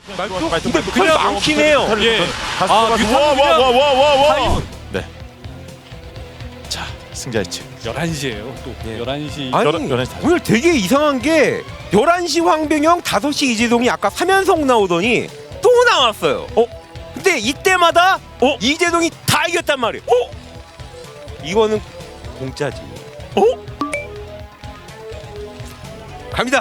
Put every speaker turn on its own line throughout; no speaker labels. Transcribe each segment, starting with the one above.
근데 그냥 많긴 해요.
예.
와와와와와. 네. 자, 승자 예측.
11시에요. 또
예.
11시.
아니
11시 다.
오늘 되게 이상한 게 11시 황병영, 5시 이재동이 아까 3연속 나오더니 또 나왔어요. 근데 이때마다 이재동이 다 이겼단 말이에요. 이거는 공짜지. 갑니다.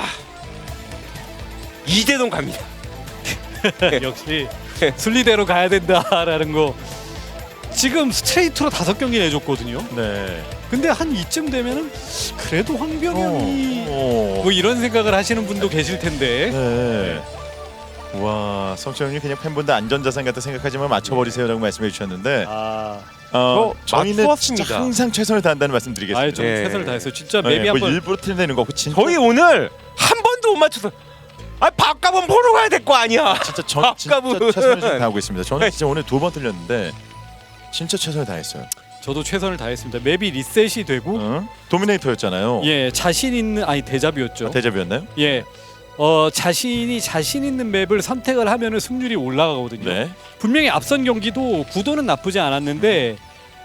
이재동 갑니다.
역시 순리대로 가야 된다라는 거. 지금 스트레이트로 5경기 내줬거든요.
네.
근데 한 이쯤 되면은 그래도 황병영이
어.
뭐 이런 생각을 하시는 분도 계실 텐데.
네. 와, 성철님 그냥 팬분들 안전자산 같다 생각하지만 맞춰버리세요라고 말씀해 주셨는데 저희는
맞추었습니다.
진짜 항상 최선을 다한다는 말씀드리겠습니다.
아예 좀
예.
최선을 다했어요. 진짜
네,
맵이
뭐
한번
일부러 틀내는 거고 진짜
저희 오늘 한 번도 못 맞춰서 밥값은 보러 가야 될 거 아니야.
진짜
아까부분.
최선을 좀 다하고 있습니다. 저는 진짜 오늘 2번 틀렸는데 진짜 최선을 다했어요.
저도 최선을 다했습니다. 맵이 리셋이 되고
응? 도미네이터였잖아요.
예 자신 있는 대잡이었죠.
대접이었나요?
예. 자신이 자신 있는 맵을 선택을 하면은 승률이 올라가거든요.
네.
분명히 앞선 경기도 구도는 나쁘지 않았는데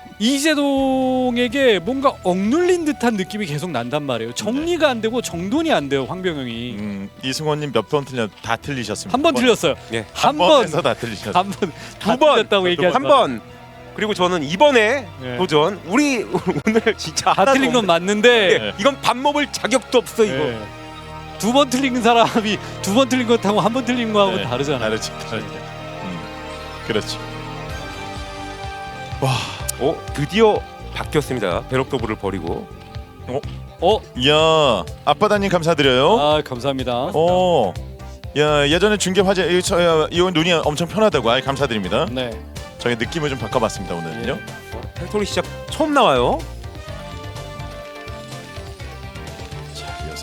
이재동에게 뭔가 억눌린 듯한 느낌이 계속 난단 말이에요. 정리가 안 되고 정돈이 안 돼요. 황병영이.
이승원님 몇 번 틀려 다 틀리셨습니다.
한 번 틀렸어요.
예.
한
번,
번에서 다 틀리셨어요.
한 번,
두 번,
틀렸다고 얘기하지
한 번. 그리고 저는 이번에
예.
도전. 우리 오늘 진짜
다 틀린 건 맞는데
예, 이건 밥 먹을 자격도 없어 이거.
예. 두 번 틀린 사람이 두 번 틀린 것하고 한 번 틀린 거하고
네,
다르잖아요.
다르지. 그렇지. 와,
드디어 바뀌었습니다. 배럭도브를 버리고.
이야, 아빠다님 감사드려요.
아 감사합니다.
야, 예전에 중계 화제 이건 눈이 엄청 편하다고. 아이 감사드립니다.
네.
저희 느낌을 좀 바꿔봤습니다 오늘은요.
팩토리 시작 처음 나와요.
자, 이어서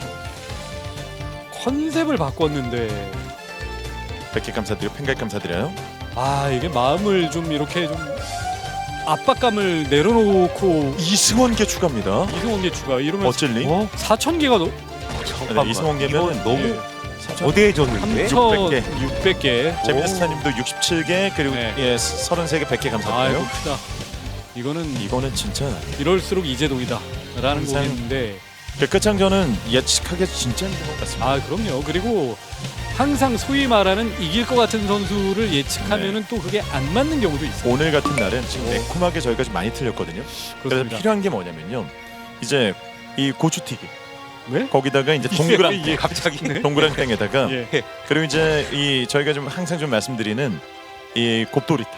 컨셉을 바꿨는데
100개 감사드리고 팬가입 감사드려요.
이게 마음을 좀 이렇게 좀 압박감을 내려놓고
이승원계 추가입니다.
이승원계 추가 이러면
어찔리?
4,000개가
잠깐만.
이승원계면
이건 너무
예.
어대해졌는데.
3,600개.
제미스타님도 67개 그리고
네.
33개 100개
아이고
감사드려요.
크다. 이거는
진짜
이럴수록 이재동이다라는
항상
곡인데
백화창전은 예측하기 진짜 힘든 것 같습니다.
그럼요. 그리고 항상 소위 말하는 이길 것 같은 선수를 예측하면은 또 그게 안 맞는 경우도 있어요.
오늘 같은 날은 지금 매콤하게 저희가 좀 많이 틀렸거든요. 그래서
그렇습니다.
필요한 게 뭐냐면요. 이제 이 고추튀김
왜?
거기다가 이제 동그란
예, 갑자기
동그란 땡에다가
예.
그리고 이제 이 저희가 좀 항상 좀 말씀드리는 이 곱도리탕.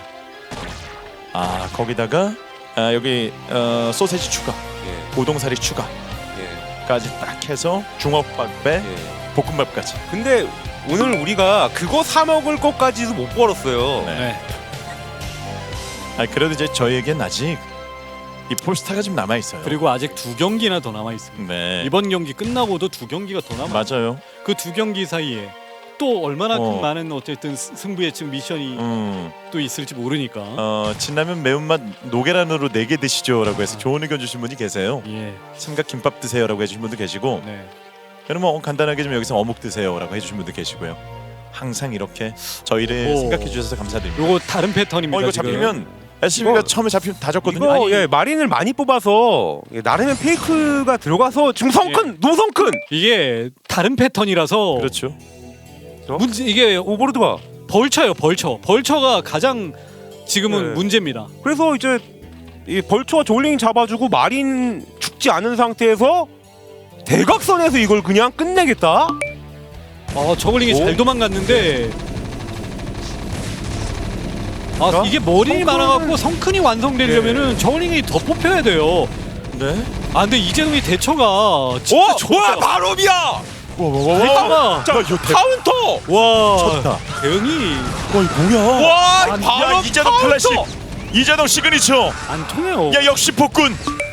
거기다가 여기 소세지 추가,
예,
우동사리 추가까지
예,
딱 해서 중업밥에
예.
볶음밥까지.
근데 오늘 우리가 그거 사 먹을 것까지도 못 벌었어요.
네. 그래도 이제 저희에겐 아직 이 폴스타가 좀 남아 있어요.
그리고 아직 2경기나 더 남아 있습니다.
네.
이번 경기 끝나고도 2경기가 더 남아.
맞아요.
그 2경기 사이에 또 얼마나
어.
많은 어쨌든 승부 예측 미션이 또 있을지 모르니까.
진라면 매운맛 노계란으로 4개 드시죠라고 해서 좋은 의견 주신 분이 계세요.
예.
삼각김밥 드세요라고 해주신 분도 계시고,
네.
그러면 간단하게 좀 여기서 어묵 드세요라고 해주신 분도 계시고요. 항상 이렇게 저희를
오.
생각해 주셔서 감사드립니다.
요거 다른 패턴입니다.
이거
지금.
잡히면 SCB가
이거-
처음에 잡히면 다 졌거든요.
이거 마린을 많이 뽑아서 나름의 페이크가 들어가서 중성큰, 노성큰.
이게 다른 패턴이라서
그렇죠.
문제 이게
오버로드 봐.
벌처예요. 벌처가 가장 지금은
네.
문제입니다.
그래서 이제 이 벌초와 조링 잡아주고 마린 죽지 않은 상태에서 대각선에서 이걸 그냥 끝내겠다.
저글링이 잘 도망갔는데 이게 머리이
성큰-
많아갖고 성큰이 완성되려면은 저글링이 더 뽑혀야 돼요.
네.
근데 이재동이 대처가 진짜
좋아, 바로비야.
와와와와.
대처가
이거
카운터.
와
쳤다.
대응이
이거 뭐야?
와,
아니,
바로
야 이재동 클래식. 이재동 시그니처.
안 통해요.
야 역시 폭군.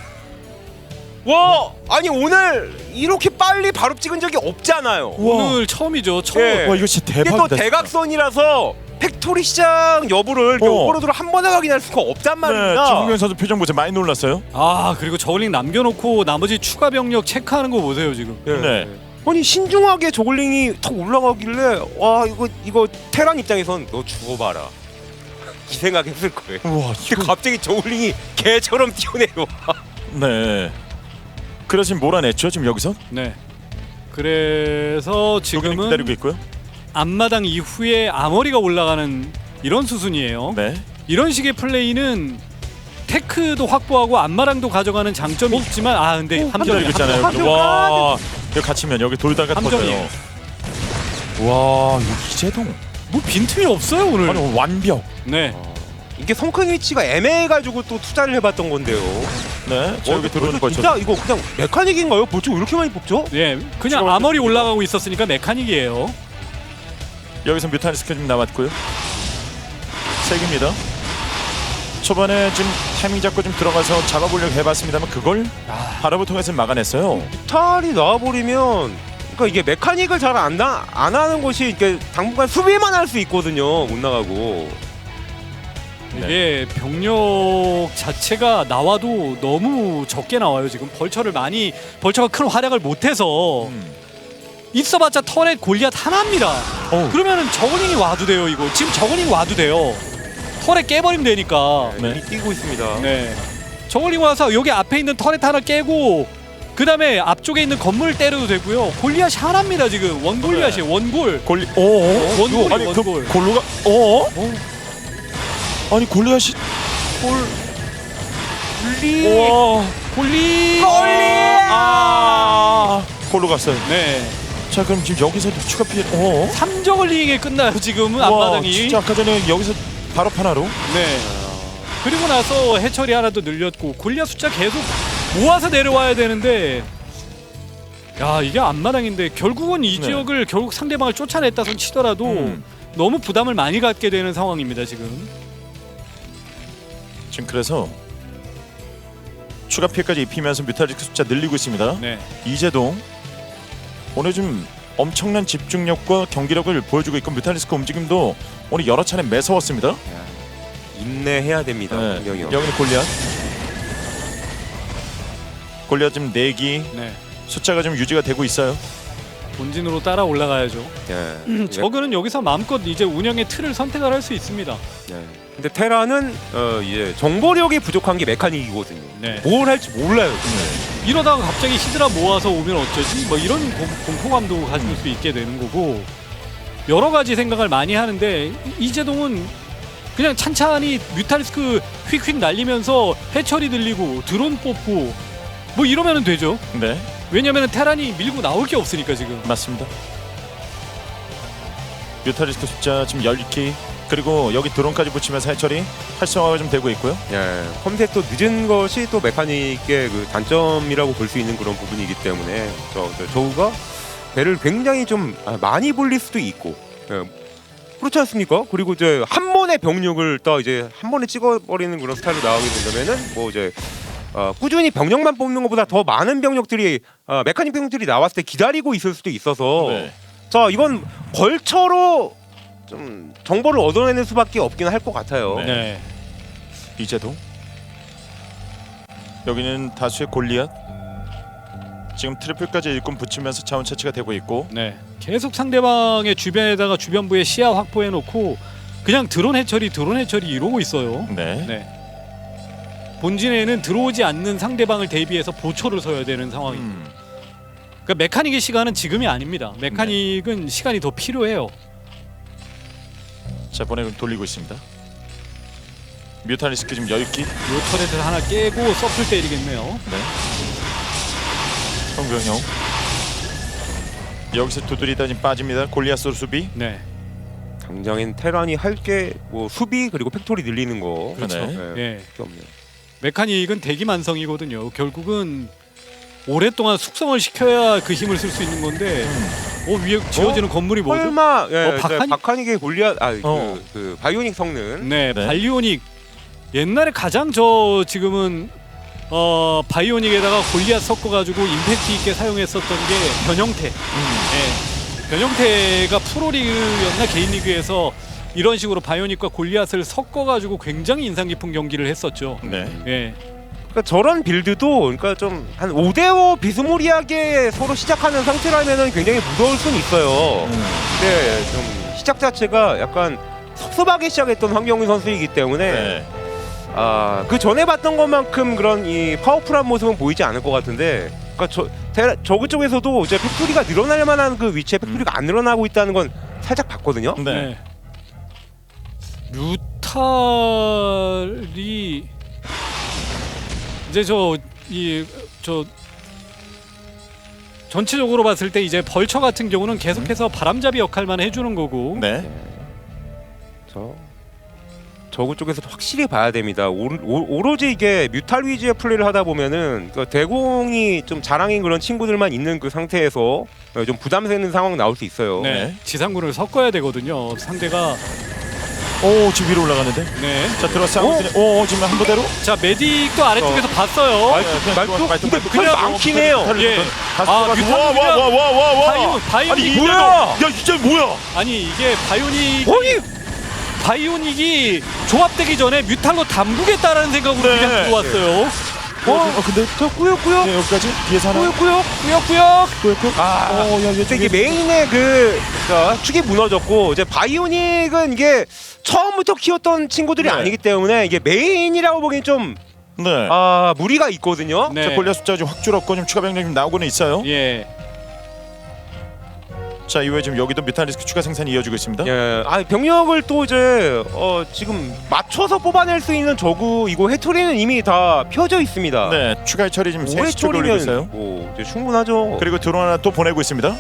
와, 아니 오늘 이렇게 빨리 바로 찍은 적이 없잖아요.
오늘 처음이죠. 처음.
예.
와 이거 진짜
이게 또
대박이다.
대각선이라서 팩토리 시장 여부를 오버로드로 한 번에 확인할 수가 없단 말입니다.
김국현 선수 표정 보자 많이 놀랐어요.
그리고 저글링 남겨놓고 나머지 추가 병력 체크하는 거 보세요 지금.
네.
아니 신중하게 저글링이 턱 올라가길래 와 이거 테란 입장에선 너 죽어봐라 이 생각했을 거예요.
우와,
근데 갑자기 저글링이 개처럼 뛰어내려.
네. 그래서 지금 몰아냈죠 지금 여기서.
네. 그래서
여기는
지금은
기다리고 있고요.
앞마당 이후에 아머리가 올라가는 이런 수순이에요.
네.
이런 식의 플레이는 테크도 확보하고 앞마당도 가져가는 장점이 있지만 근데
기다리고
함정이
있잖아요.
함정.
와, 여기 갇히면 여기 돌다가
함정이에요.
터져요. 와, 이거 이재동.
뭐 빈틈이 없어요 오늘.
아니 완벽.
네.
이게 성큰 위치가 애매해가지고 또 투자를 해봤던 건데요.
네. 저 여기 들어오는 거죠.
진짜 이거 그냥 메카닉인가요? 벌써 왜 이렇게 많이 뽑죠?
네. 그냥
지금
아머리 올라가고 있었으니까 메카닉이에요.
여기서 뮤탈리스크 좀 남았고요. 3개입니다. 초반에 지금 타이밍 잡고 좀 들어가서 잡아보려고 해봤습니다만 그걸 바람을 통해서 막아냈어요.
뮤탈이 나와버리면 그러니까 이게 메카닉을 잘 안 하는 것이 이게 당분간 수비만 할 수 있거든요. 못 나가고.
이게 병력 자체가 나와도 너무 적게 나와요. 지금 벌처가 큰 활약을 못해서 있어봤자 터렛 골리앗 하나입니다. 그러면은 저글링이 와도 돼요. 이거 지금 저글링 와도 돼요. 터렛 깨버리면 되니까.
네.
뛰고 있습니다.
네. 저글링 와서 여기 앞에 있는 터렛 하나 깨고 그 다음에 앞쪽에 있는 건물 때려도 되고요. 골리앗이 하나입니다. 지금 원골리앗이에요. 원골.
골리.
원골이
아니 그
원골.
골로가. 아니 골리앗이.
골리.
와.
골리.
골로 갔어요.
네.
자 그럼 지금 여기서도 추가 피해.
3저글링에 끝나요. 지금은
와,
앞마당이.
진짜 아까 전에 여기서 바로 하나로.
네. 그리고 나서 해처리 하나 더 늘렸고 골리앗 숫자 계속 모아서 내려와야 되는데 야 이게 앞마당인데 결국은 이
네.
지역을 결국 상대방을 쫓아냈다 손 치더라도 너무 부담을 많이 갖게 되는 상황입니다 지금.
지금 그래서 추가 피해까지 입히면서 뮤탈리스크 숫자 늘리고 있습니다.
네.
이재동 오늘 좀 엄청난 집중력과 경기력을 보여주고 있고 뮤탈리스크 움직임도 오늘 여러 차례 매서웠습니다.
인내해야 됩니다. 분명히.
여기는 골리앗. 골리앗 지금 4기
네.
숫자가 좀 유지가 되고 있어요.
본진으로 따라 올라가야죠.
예.
저그는 여기서 마음껏 이제 운영의 틀을 선택을 할 수 있습니다.
예. 근데 테라는 이제 정보력이 부족한 게 메카닉이거든요.
네.
뭘 할지 몰라요.
이러다가 갑자기 히드라 모아서 오면 어쩌지? 뭐 이런 공포감도 가질 수 있게 되는 거고 여러 가지 생각을 많이 하는데 이재동은 그냥 찬찬히 뮤탈리스크 휙휙 날리면서 해처리 들리고 드론 뽑고 뭐 이러면 되죠.
네,
왜냐면 테란이 밀고 나올 게 없으니까 지금.
맞습니다. 뮤탈리스크 숫자 지금 10기 그리고 여기 드론까지 붙이면서 해처리 활성화가 좀 되고 있고요.
예. 컴셋도 늦은 것이 또 메카닉의 그 단점이라고 볼 수 있는 그런 부분이기 때문에 저우가 배를 굉장히 좀 많이 불릴 수도 있고. 그렇지 않습니까? 그리고 이제 한 번의 병력을 또 이제 한 번에 찍어버리는 그런 스타일로 나오게 된다면은 뭐 이제 꾸준히 병력만 뽑는 것보다 더 많은 병력들이 메카닉 병력들이 나왔을 때 기다리고 있을 수도 있어서
네.
자 이건 벌처로 좀 정보를 얻어내는 수밖에 없긴 할 것 같아요.
네.
네.
이재동 여기는 다수의 골리앗 지금 트리플까지 일꾼 붙이면서 자원 채취가 되고 있고
네. 계속 상대방의 주변에다가 주변부에 시야 확보해 놓고 그냥 드론 해처리 이러고 있어요.
네.
네. 본진에는 들어오지 않는 상대방을 대비해서 보초를 서야 되는 상황입니다. 그러니까 메카닉의 시간은 지금이 아닙니다. 메카닉은 시간이 더 필요해요.
자 보내고 돌리고 있습니다. 뮤탈리스크 지금 10기.
요 터렛을 하나 깨고 서플 때리겠네요.
네. 성병형 여기서 두드리다 지금 빠집니다. 골리앗으로 수비.
네.
당장엔 테란이 할 게 뭐 수비 그리고 팩토리 늘리는 거.
그렇죠.
예.
그게 없네요.
메카닉은 대기만성이거든요. 결국은 오랫동안 숙성을 시켜야 그 힘을 쓸 수 있는 건데 위에 지어지는 건물이 뭐죠?
설마
박하닉?
박하닉의 골리앗
어.
그 바이오닉 성능.
네,
네.
발리오닉. 옛날에 가장 지금은 바이오닉에다가 골리앗 섞어가지고 임팩트 있게 사용했었던 게 변형태. 네. 변형태가 프로리그였나 개인리그에서 이런 식으로 바이오닉과 골리앗을 섞어가지고 굉장히 인상 깊은 경기를 했었죠.
네.
예.
그러니까 저런 빌드도 그러니까 좀 한 5대5 비스무리하게 서로 시작하는 상태라면은 굉장히 무서울 수는 있어요. 근데 좀 시작 자체가 약간 섭섭하게 시작했던 황경민 선수이기 때문에
네.
그 전에 봤던 것만큼 그런 이 파워풀한 모습은 보이지 않을 것 같은데, 그러니까 저그 쪽에서도 이제 팩토리가 늘어날 만한 그 위치에 팩토리가 안 늘어나고 있다는 건 살짝 봤거든요.
네.
뮤탈이 이제 전체적으로 봤을 때 이제 벌처 같은 경우는 계속해서 바람잡이 역할만 해주는 거고.
네.
저그 쪽에서도 확실히 봐야 됩니다. 오로지 이게 뮤탈 위주의 플레이를 하다 보면은 그 대공이 좀 자랑인 그런 친구들만 있는 그 상태에서 좀 부담되는 상황 나올 수 있어요.
네. 지상군을 섞어야 되거든요. 상대가.
오, 지금 위로 올라가는데.
네.
자, 들어서 오, 지금 한 부대로.
자, 메딕도 아래쪽에서 봤어요.
근데 그냥 많긴 해요.
예.
와.
바이오닉
아니,
뭐야?
야, 이게 뭐야?
아니 이게
아니
바이오닉이 조합되기 전에 뮤탈로 담그겠다라는 생각으로
네.
그냥 들어왔어요.
근데
저 꾸역꾸역
네, 여기까지 뒤에서 하나.
꾸역꾸역.
근데 이게 메인의 그 축이 무너졌고, 이제 바이오닉은 이게 처음부터 키웠던 친구들이
네.
아니기 때문에 이게 메인이라고 보기엔 좀
네.
무리가 있거든요.
네.
자, 골리앗 숫자가 좀 확 줄었고 좀 추가 병력 좀 나오고는 있어요.
예.
자, 이후에 지금 여기도 뮤탈리스크 추가 생산이 이어지고 있습니다.
예, 병력을 또 이제 지금 맞춰서 뽑아낼 수 있는 저구 이거 해처리는 이미 다 펴져 있습니다.
네, 추가 처리 지금 3시 쪽에 올리고 있어요.
뭐 이제 충분하죠.
그리고 드론 하나 또 보내고 있습니다.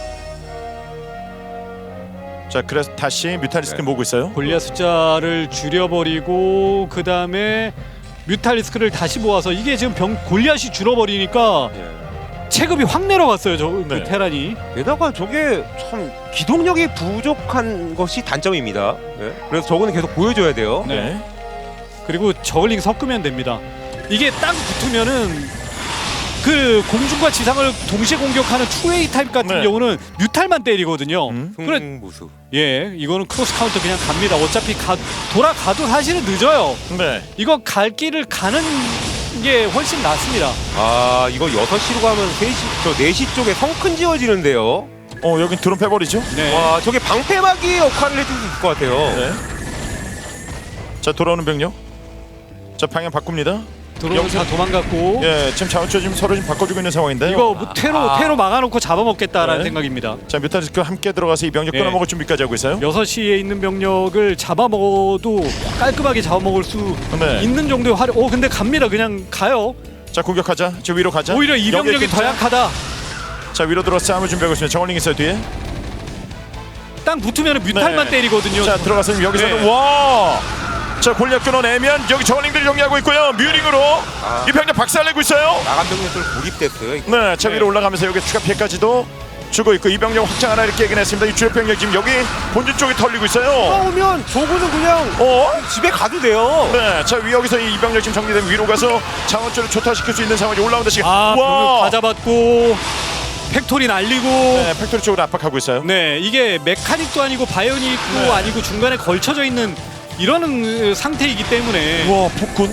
자, 그래서 다시 뮤탈리스크 모으고 있어요.
골리앗 숫자를 줄여버리고 그 다음에 뮤탈리스크를 다시 모아서 이게 지금 골리앗이 줄어버리니까
예.
체급이 확 내려갔어요. 그
네.
테란이.
게다가 저게 참 기동력이 부족한 것이 단점입니다. 예. 그래서 저거는 계속 보여줘야 돼요.
네.
그리고 저글링 섞으면 됩니다. 이게 딱 붙으면은 그 공중과 지상을 동시에 공격하는 투웨이 타입 같은
네.
경우는 뮤탈만 때리거든요. 그래,
승무수.
예, 이거는 크로스 카운터 그냥 갑니다. 어차피 돌아가도 사실은 늦어요.
네.
이거 갈 길을 가는 게 훨씬 낫습니다.
이거 6시로 가면 4시 쪽에 성큰 지어지는데요.
여긴 드론 패버리죠?
네.
와, 저게 방패막이 역할을 해줄 수 있을 것 같아요.
네. 자, 돌아오는 병력. 자, 방향 바꿉니다.
드론은 다 도망갔고.
예, 지금 자원초 지금 서로 지금 바꿔주고 있는 상황인데요.
이거 뭐 테로 막아놓고 잡아먹겠다라는
네.
생각입니다.
자, 뮤탈리스크 함께 들어가서 이 병력
예.
끊어먹을 준비까지 하고 있어요.
6시에 있는 병력을 잡아먹어도 깔끔하게 잡아먹을 수
네.
있는 정도의 근데 갑니다. 그냥 가요.
자, 공격하자. 저 위로 가자.
오히려 이 병력이
여기에
더 약하다.
자, 위로 들어서 싸움을 준비하고 있습니다. 정원링 있어요 뒤에.
땅 붙으면 뮤탈만
네.
때리거든요.
자, 들어가서 여기서는
네.
와. 자, 골리앗 끊어내면 여기 정원링들이 정리하고 있고요. 뮤링으로 이 병력 박살내고 있어요.
나간 병력들 고립됐어요.
네, 자, 위로 올라가면서 여기 추가 피해까지도 주고 있고 이 병력 확장 하나 이렇게 얘기했습니다. 이 주요 병력 지금 여기 본진 쪽에 털리고 있어요.
오면 저거는 그냥 집에 가도 돼요.
네, 자, 여기서 이 병력 지금 정리되면 위로 가서 자원줄을 초토화시킬 수 있는 상황이 올라온다 지금.
병력 다 잡았고 팩토리 날리고.
네, 팩토리 쪽으로 압박하고 있어요.
네, 이게 메카닉도 아니고 바이오닉도
네.
아니고 중간에 걸쳐져 있는 이런 상태이기 때문에.
와, 폭군.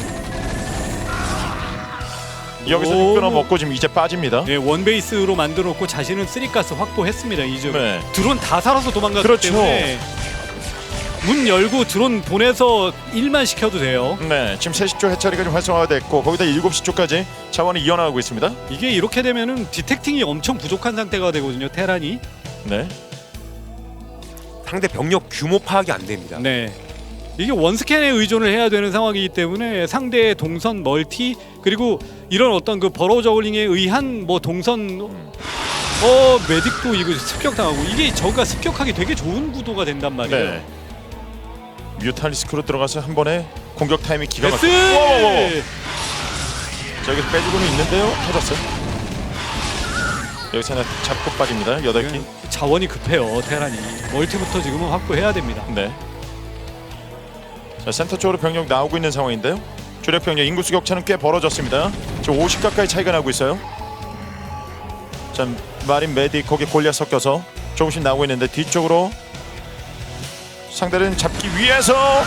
여기서
오.
끊어먹고 지금 이제 빠집니다.
네, 원베이스로 만들어놓고 자신은 쓰리가스 확보했습니다. 이제
네.
드론 다 살아서 도망갔기
그렇죠.
때문에 문 열고 드론 보내서 일만 시켜도 돼요.
네, 지금 3시 쪽 해처리가 좀 활성화가 됐고 거기다 7시 쪽까지 자원이 이어나가고 있습니다.
이게 이렇게 되면은 디텍팅이 엄청 부족한 상태가 되거든요. 테란이.
네.
상대 병력 규모 파악이 안 됩니다.
네. 이게 원스캔에 의존을 해야 되는 상황이기 때문에 상대의 동선 멀티 그리고 이런 어떤 그 버로우 저글링에 의한 뭐 동선 메딕도 이거 습격당하고 이게 저가 습격하기 되게 좋은 구도가 된단 말이에요.
네. 뮤탈리스크로 들어가서 한 번에 공격 타이밍 기가
베스!
막히고. 자, 여기 빼주고는 있는데요. 터졌어요. 여기서 하나 잡고 빠집니다. 8개.
자원이 급해요. 테란이. 멀티부터 지금은 확보해야 됩니다.
네. 자, 센터 쪽으로 병력 나오고 있는 상황인데요. 주력 병력 인구수 격차는 꽤 벌어졌습니다. 지금 50 가까이 차이가 나고 있어요. 자, 마린 메딕 거기 골리앗 섞여서 조금씩 나오고 있는데 뒤쪽으로 상대를 잡기 위해서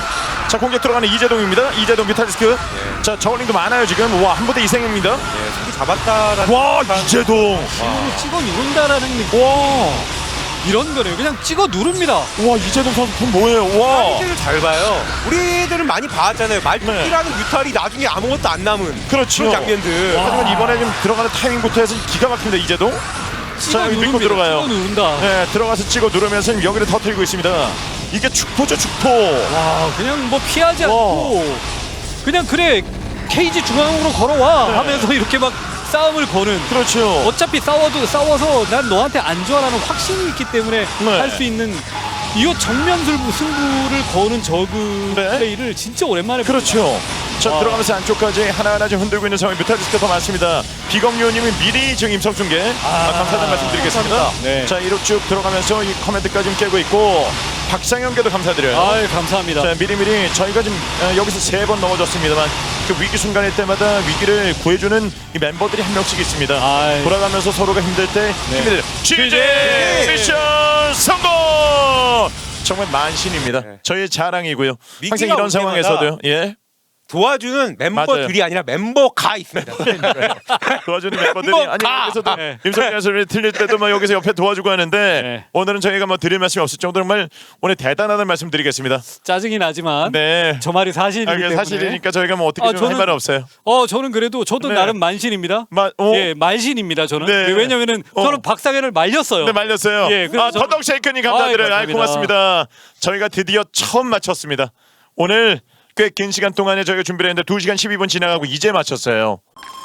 자 공격 들어가는 이재동입니다. 이재동 뮤탈리스크. 자 저울링도 많아요 지금. 와 한 부대 이생입니다.
네, 속이 잡았다라는.
와 이재동.
힘으로 찍어 누른다라는 느낌. 이런 거네요. 그냥 찍어 누릅니다.
와 이재동 선수 돈 뭐예요? 와.
사이즈를 잘 봐요. 우리들은 많이 봐왔잖아요. 말뚝이라는 뮤탈이 나중에 아무것도 안 남은
그렇죠.
그런 장면들.
하지만 이번에 좀 들어가는 타이밍부터 해서 기가 막힙니다 이재동.
찍어
여기
누릅니다.
밀고 들어가요.
찍어 누른다.
네 들어가서 찍어 누르면서 여기를 터뜨리고 있습니다. 이게 축포죠 축포.
와 그냥 뭐 피하지 않고 그냥 그래 케이지 중앙으로 걸어와
네.
하면서 이렇게 막 싸움을 거는.
그렇죠.
어차피 싸워서 난 너한테 안 좋아라는 확신이 있기 때문에
네.
할 수 있는 이거 정면 승부를 거는 저그
네.
플레이를 진짜 오랜만에
그렇죠. 자
와.
들어가면서 안쪽까지 하나하나 좀 흔들고 있는 상황. 뮤탈리스크가 더 많습니다. 비검요님이 미리 지금 임성 중계 감사하다는 말씀드리겠습니다.
감사합니다. 네.
자 이로 쭉 들어가면서 이 커맨드까지 좀 깨고 있고 박상현께도 감사드려요.
아유 감사합니다.
자 미리미리 저희가 지금 여기서 3번 넘어졌습니다만 그 위기 순간일 때마다 위기를 구해주는 이 멤버들이 한 명씩 있습니다.
아이.
돌아가면서 서로가 힘들 때
네.
힘들 취재 미션 성공. 정말 만신입니다.
네.
저희의 자랑이고요. 항상
위기가
이런
올
상황에서도요. 예.
도와주는 멤버들이 아니라 멤버가 있습니다.
도와주는 멤버들이
뭐,
아니
가!
여기서도
네.
임성현 소리 틀릴 때도 막 여기서 옆에 도와주고 하는데
네.
오늘은 저희가 뭐 드릴 말씀이 없을 정도로 정말 오늘 대단하다는 말씀 드리겠습니다.
짜증이 나지만
네.
저 말이 사실이기
아, 그게
때문에
사실이니까 저희가 뭐 어떻게 좀 할 말은 없어요.
저는 그래도 저도
네.
나름 만신입니다.
오?
예, 말신입니다. 저는.
네.
왜냐면은 저는 박상현을 말렸어요.
네 말렸어요.
예, 그래서 저는-
더덕 쉐이크님 감사드려요.
아이,
고맙습니다. 저희가 드디어 처음 마쳤습니다. 오늘 꽤 긴 시간 동안에 저희가 준비를 했는데 2시간 12분 지나가고 이제 마쳤어요.